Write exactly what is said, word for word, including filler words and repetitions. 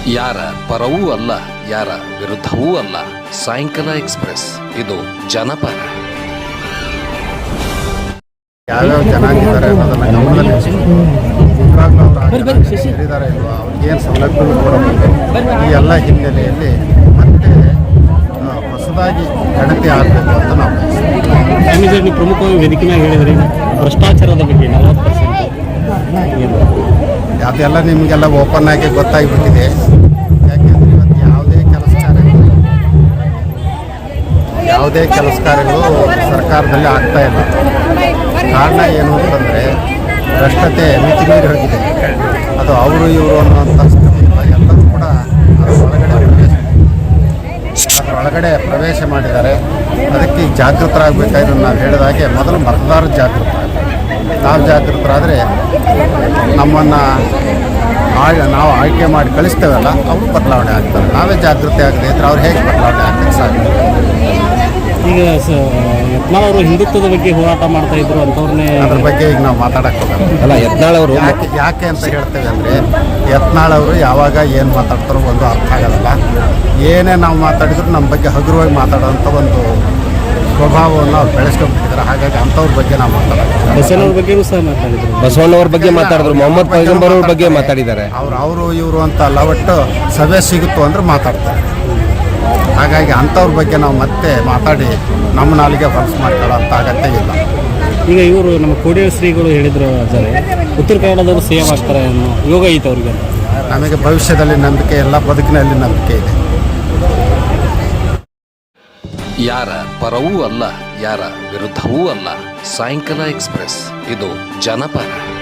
ಯಾರ ಪರವೂ ಅಲ್ಲ, ಯಾರ ವಿರುದ್ಧವೂ ಅಲ್ಲ. ಸಾಯಂಕಾಲ ಎಕ್ಸ್ಪ್ರೆಸ್, ಇದು ಜನಪರ. ಯಾವ್ಯಾವ ಜನಾಂಗಿದ್ದಾರೆ ಅನ್ನೋದನ್ನ ಗಮನದಲ್ಲಿ ಇಟ್ಕೊಂಡು ಇದ್ದಾರೆ ಇಲ್ವಾ, ಅವ್ರಿಗೇನು ಸೌಲಭ್ಯಗಳು ಕೊಡಬೇಕು, ಈ ಎಲ್ಲ ಹಿನ್ನೆಲೆಯಲ್ಲಿ ಮತ್ತೆ ಹೊಸದಾಗಿ ಗಣತಿ ಆಗಬೇಕು ಅಂತ ನಾವು ನೀವು ಪ್ರಮುಖವಾಗಿ ವೇದಿಕೆ ಮೇಲೆ ಹೇಳಿದ್ರಿ ಭ್ರಷ್ಟಾಚಾರದ ಬಗ್ಗೆ ನಲವತ್ತು ಪರ್ಸೆಂಟ್ ಅದೆಲ್ಲ ನಿಮಗೆಲ್ಲ ಓಪನ್ ಆಗಿ ಗೊತ್ತಾಗಿಬಿಟ್ಟಿದೆ. ಯಾಕೆಂದರೆ ಇವತ್ತು ಯಾವುದೇ ಕೆಲಸ ಕಾರ್ಯಗಳು ಯಾವುದೇ ಕೆಲಸ ಕಾರ್ಯಗಳು ಸರ್ಕಾರದಲ್ಲಿ ಆಗ್ತಾ ಇಲ್ಲ. ಕಾರಣ ಏನು ಅಂತಂದರೆ ಭ್ರಷ್ಟತೆ ಮಿತಿ ಮೀರಿ ಹೋಗಿದೆ. ಅದು ಅವರು ಇವರು ಅನ್ನುವಂಥ ಸ್ಥಿತಿ ಇಲ್ಲ. ಎಲ್ಲರೂ ಕೂಡ ಅದರ ಒಳಗಡೆ ಪ್ರವೇಶ ಅದರ ಒಳಗಡೆ ಪ್ರವೇಶ ಮಾಡಿದ್ದಾರೆ. ಅದಕ್ಕೆ ಈಗ ಜಾಗೃತರಾಗಬೇಕಾದ್ರೆ ನಾವು ಹೇಳಿದ ಹಾಗೆ ಮೊದಲು ಮತದಾರ ಜಾಗೃತ ನಾವು ಜಾಗೃತರಾದರೆ ನಮ್ಮನ್ನು ಆಳ್ ನಾವು ಆಯ್ಕೆ ಮಾಡಿ ಕಳಿಸ್ತೇವಲ್ಲ ಅವರು ಬದಲಾವಣೆ ಆಗ್ತಾರೆ. ನಾವೇ ಜಾಗೃತಿ ಆಗದೆ ಇದ್ರೆ ಅವ್ರು ಹೇಗೆ ಬದಲಾವಣೆ ಆಗ್ತದೆ ಸಾಧ್ಯ? ಈಗ ಯತ್ನಾಳ್ ಅವರು ಹಿಂದುತ್ವದ ಬಗ್ಗೆ ಹೋರಾಟ ಮಾಡ್ತಾ ಇದ್ರು ಅಂಥವ್ರನ್ನೇ ಅದ್ರ ಬಗ್ಗೆ ಈಗ ನಾವು ಮಾತಾಡಕ್ಕೆ ಹೋಗಲ್ಲ. ಅಲ್ಲ, ಯತ್ನಾಳ್ ಅವರು ಯಾಕೆ ಯಾಕೆ ಅಂತ ಹೇಳ್ತೇವೆ ಅಂದರೆ ಯತ್ನಾಳ್ ಅವರು ಯಾವಾಗ ಏನು ಮಾತಾಡ್ತಾರೋ ಒಂದು ಅರ್ಥ ಆಗೋದಲ್ಲ. ಏನೇ ನಾವು ಮಾತಾಡಿದ್ರು ನಮ್ಮ ಬಗ್ಗೆ ಹಗುರವಾಗಿ ಮಾತಾಡೋಂಥ ಒಂದು ಸ್ವಭಾವವನ್ನು ಅವ್ರು ಬೆಳೆಸ್ಕೊಂಡ್ಬಿಟ್ಟಿದ್ದಾರೆ. ಹಾಗಾಗಿ ಅಂಥವ್ರ ಬಗ್ಗೆ ನಾವು ಮಾತಾಡೋದು. ಬಸವಣ್ಣವ್ರ ಬಗ್ಗೆನೂ ಸಹ ಮಾತಾಡಿದ್ರು. ಬಸವಣ್ಣವ್ರ ಬಗ್ಗೆ ಮಾತಾಡಿದ್ರು, ಮೊಹಮ್ಮದ್ ಪೈಗಂಬರ್ ಅವ್ರ ಬಗ್ಗೆ ಮಾತಾಡಿದ್ದಾರೆ. ಅವ್ರು ಅವರು ಇವರು ಅಂತ ಅಲ್ಲ, ಒಟ್ಟು ಸಭೆ ಸಿಗುತ್ತೋ ಅಂದ್ರೆ ಮಾತಾಡ್ತಾರೆ. ಹಾಗಾಗಿ ಅಂಥವ್ರ ಬಗ್ಗೆ ನಾವು ಮತ್ತೆ ಮಾತಾಡಿ ನಮ್ಮ ನಾಲಿಗೆ ಹೊಲಸು ಮಾಡ್ಕೊಳ್ಳೋ ಅಂತ ಅಗತ್ಯ ಇಲ್ಲ. ಈಗ ಇವರು ನಮ್ಮ ಕೋಡಿಯ ಶ್ರೀಗಳು ಹೇಳಿದ್ರು ಅಜ್ಜರೇ, ಉತ್ತರ ಕನ್ನಡದವರು ಸಿ ಎಂ ಆಗ್ತಾರೆ ಅನ್ನೋ ಯೋಗ ಐತೆ ಅವ್ರಿಗೆ. ನಮಗೆ ಭವಿಷ್ಯದಲ್ಲಿ ನಂಬಿಕೆ ಇಲ್ಲ, ಬದುಕಿನಲ್ಲಿ ನಂಬಿಕೆ ಇದೆ. ಯಾರ ಪರವೂ ಅಲ್ಲ, ಯಾರ ವಿರುದ್ಧವೂ ಅಲ್ಲ. ಸಾಯಂಕಾಲ ಎಕ್ಸ್ಪ್ರೆಸ್, ಇದು ಜನಪರ.